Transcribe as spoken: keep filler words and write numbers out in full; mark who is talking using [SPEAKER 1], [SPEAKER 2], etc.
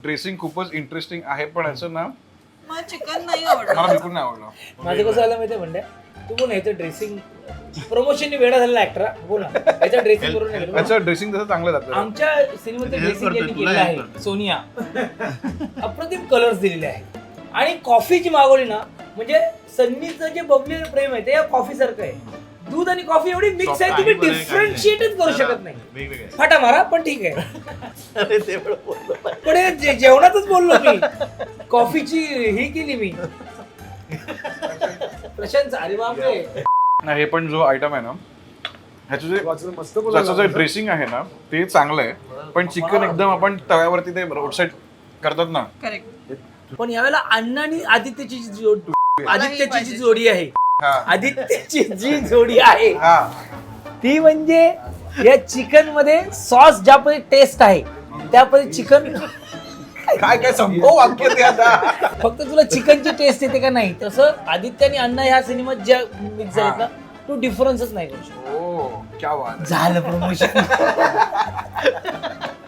[SPEAKER 1] Dressing खूपच interesting आहे पण याचं ना
[SPEAKER 2] मला चिकन नाही आवडत.
[SPEAKER 1] मला बिलकुल नाही आवडलं.
[SPEAKER 3] माझं कसं झालं माहितीये म्हणजे तू बोल याचं ड्रेसिंग प्रमोशनने वेळा झालेला ऍक्टर बोल ना याचं ड्रेसिंग करून नाही केलं.
[SPEAKER 1] याचं ड्रेसिंग तसं चांगलं जातं.
[SPEAKER 3] आमच्या सिनेमाचं ड्रेसिंग ज्यांनी केलेलं आहे सोनिया अप्रतिम कलर्स दिलेले आहेत आणि कॉफी जी मागवली ना म्हणजे सन्नीचं जे बबली प्रेम आहे ते या कॉफी सारखं आहे. दूध आणि कॉफी एवढी मिक्स आहे तुम्ही डिफरन्शिएटच करू शकत नाही. फाटा मारा पण ठीक आहे पण हे जे- जेवणातच बोललो मी कॉफीची ही केली मी प्रशांत अरे बापरे.
[SPEAKER 1] नाही हे पण जो आयटम आहे ना ह्याचं जे
[SPEAKER 4] मस्त
[SPEAKER 1] त्याचं जे ड्रेसिंग आहे ना ते चांगलं आहे पण चिकन एकदम आपण तव्यावरती ते रोड साईड करतात ना
[SPEAKER 2] करेक्ट.
[SPEAKER 3] पण यावेळेला अण्णा आणि आदित्यची जी जोड आदित्यची जी जोडी आहे
[SPEAKER 1] हा.
[SPEAKER 3] आदित्यची जी जोडी आहे
[SPEAKER 1] हा
[SPEAKER 3] ती म्हणजे या चिकन मध्ये सॉस ज्या पद्धती टेस्ट आहे त्या पद्धती चिकन
[SPEAKER 1] काय काय संभव वाक्य ते आता.
[SPEAKER 3] फक्त तुला चिकनची टेस्ट येते का नाही तसं आदित्य आणि अण्णा ह्या सिनेमात ज्या मिक्स झालेत ना तू डिफरन्सच नाही करू शकत.
[SPEAKER 1] ओ क्या बात आहे.
[SPEAKER 3] झालं प्रमोशन